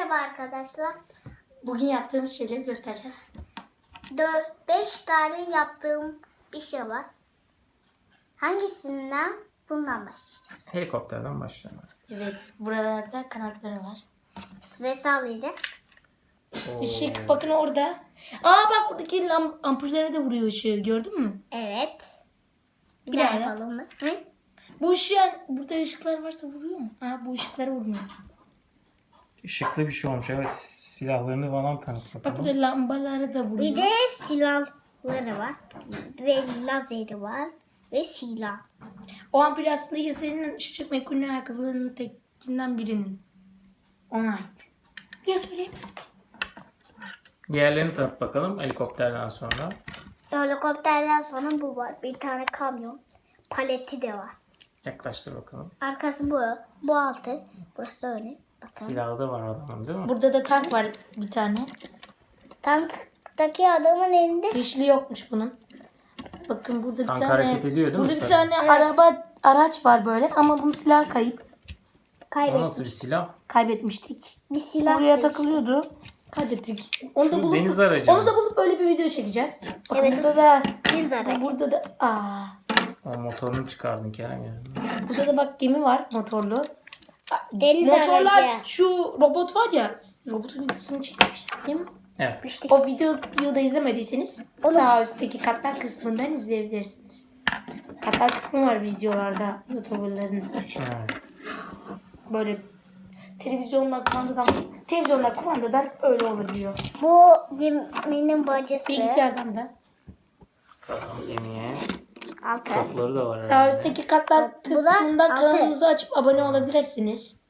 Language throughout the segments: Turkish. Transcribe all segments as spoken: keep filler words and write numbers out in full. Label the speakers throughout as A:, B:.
A: Merhaba arkadaşlar.
B: Bugün yaptığımız şeyleri göstereceğiz.
A: dört beş tane yaptığım bir şey var. Hangisinden? Bundan başlayacağız.
C: Helikopterden başlayalım.
B: Evet, burada da kanatları var.
A: Ve sallayacak.
C: Oo.
B: Işık bakın orada. Aa bak buradaki lam- ampullere de vuruyor ışığı, gördün mü?
A: Evet. Bir,
B: Bir
A: daha
B: daha yap.
A: yapalım mı? Hı?
B: Bu ışığa, burada ışıklar varsa vuruyor mu? Aa bu ışıklara vurmuyor.
C: Işıklı bir şey olmuş. Evet. Silahlarını falan tanıt
B: Bak
C: bakalım.
B: burada lambalara da vuruyor.
A: Bir de silahları var. Ve lazeri var. Ve silah.
B: O ampul aslında Yaser'in Işık McQueen'in ayakkabılarının tekinden birinin. Ona ait. Ya söyleyemez.
C: Diğerlerini tanıt bakalım helikopterden sonra.
A: Helikopterden sonra bu var. Bir tane kamyon. Paleti de var.
C: Yaklaştır bakalım.
A: Arkası bu. Bu altı. Burası öyle. Bakın.
C: Silahı da var adamın değil mi?
B: Burada da tank var bir tane.
A: Tanktaki adamın elinde
B: Yeşili yokmuş bunun. Bakın burada bir
C: Tank
B: tane
C: hareket ediyor değil mi
B: burada bir
C: üstelik?
B: tane
A: Evet.
B: araba araç var böyle ama bunun silahı kayıp.
C: O nasıl bir
A: kaybetmiş.
C: silah?
B: Kaybetmiştik.
A: Bir silah
B: Buraya
A: da
B: takılıyordu. Kaybettik. Onu da
C: Şu
B: bulup
C: deniz aracı
B: onu
C: mı?
B: da bulup öyle bir video çekeceğiz. Bakın
A: Evet.
B: burada da
A: işte deniz aracı.
B: burada da aa
C: O motorunu çıkardın Kerem ya.
B: burada da bak gemi var motorlu.
A: Deniz
B: Motorlar
A: aracı.
B: şu robot var ya, robotun videosunu çekmiştik değil mi?
C: Evet.
A: İşte
B: O videoyu da izlemediyseniz sağ üstteki katlar kısmından izleyebilirsiniz. Katlar kısmı var videolarda YouTuber'ların.
C: Evet.
B: Böyle televizyondan kumandadan televizyondan kumandadan öyle olabiliyor.
A: bu geminin bacası.
B: Bilgisayardan da.
C: Bakalım gemiye.
A: Altı.
C: Topları da var
B: Sağ
C: herhalde.
B: üstteki katlar
A: Bu da
B: kısmından
A: altı.
B: kanalımızı açıp abone olabilirsiniz.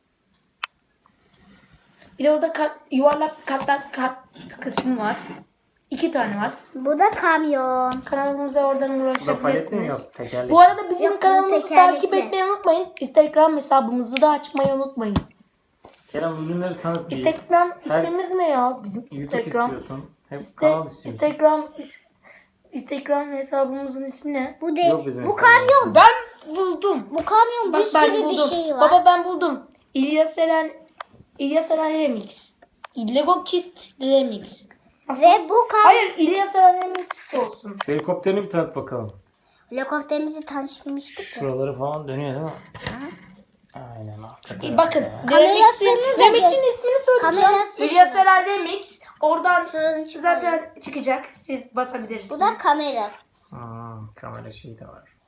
B: Bir de orada kat, yuvarlak katlar kat kısmı var. İki tane var.
A: Bu da kamyon.
B: Kanalımıza oradan
C: Bu da palet mi
B: ulaşabilirsiniz.
C: yok? Tekerlek.
B: Bu arada bizim
A: Yok, bu
B: kanalımızı
A: tekerlekli.
B: takip etmeyi unutmayın. Instagram hesabımızı da açmayı unutmayın.
C: Kerem ürünleri tanıt. bir.
B: Instagram
C: Her-
B: ismimiz ne ya? Bizim
C: YouTube
B: Instagram.
C: istiyorsun. Hep
B: İste-
C: kanal istiyorsun.
B: Instagram is- Instagram hesabımızın ismi ne?
A: Bu de
C: Yok bizim
A: bu
C: Instagram.
A: kamyon.
B: Ben buldum.
A: Bu kamyon bir
B: Bak ben
A: sürü bir
B: buldum.
A: şey var.
B: Baba ben buldum. İlyas Eren İlyas Eren Remix. Lego Kist Remix. Nasıl?
A: Ve bu kamyon.
B: Hayır İlyas Eren Remix de olsun.
C: Şu helikopterini bir tanıt bakalım.
A: Helikopterimizi tanışmıştık ya.
C: Şuraları falan dönüyor değil mi? Aynen. hakikaten.
B: E, bakın
A: Kamerasını
B: Remix'in
A: da
B: Remix'in
A: göster-
B: ismini söyleyeceğim.
A: Kamerası
B: İlyas
A: şurası.
B: Eren Remix. Oradan
A: Şuranın çıkarı.
B: zaten çıkacak. Siz basabilirsiniz.
A: Bu da kamera.
C: Hmm, kamera şeyi de var.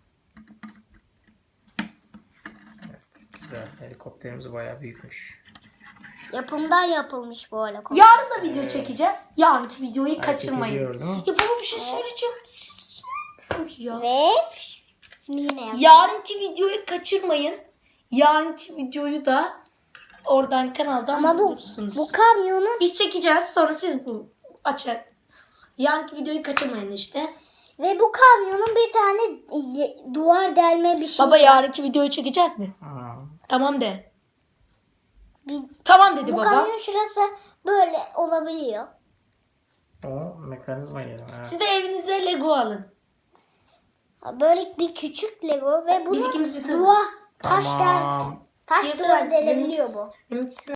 C: Evet, güzel. Helikopterimiz bayağı büyükmüş.
A: Yapımdan yapılmış bu helikopter.
B: Yarın da video çekeceğiz. Yarınki videoyu
C: Hareket
B: kaçırmayın.
C: ediyor, değil mi?
B: Ya baba bir şey söyleyeceğim. Siz- Sus ya.
A: Ve yine yap.
B: Yarınki videoyu kaçırmayın. Yarınki videoyu da oradan kanaldan
A: Ama bu,
B: bulursunuz.
A: bu kamyonun
B: Biz çekeceğiz sonra siz bu açın. Yarınki videoyu kaçırmayın işte.
A: ve bu kamyonun bir tane ye- duvar delme bir şey.
B: Baba yarınki videoyu çekeceğiz mi?
C: Hmm.
B: Tamam de.
A: Bir-
B: Tamam dedi
A: bu
B: baba.
A: kamyon şurası böyle olabiliyor.
C: O mekanizma yeri. Evet.
B: Siz de evinize Lego alın.
A: Böyle bir küçük Lego ve
B: Biz
A: bunu
B: ikimiz yutarız.
A: duvar taş del
C: Tamam.
A: taş
B: Yaser
A: duvar delebiliyor
B: Remix-
A: bu.
B: Remix'in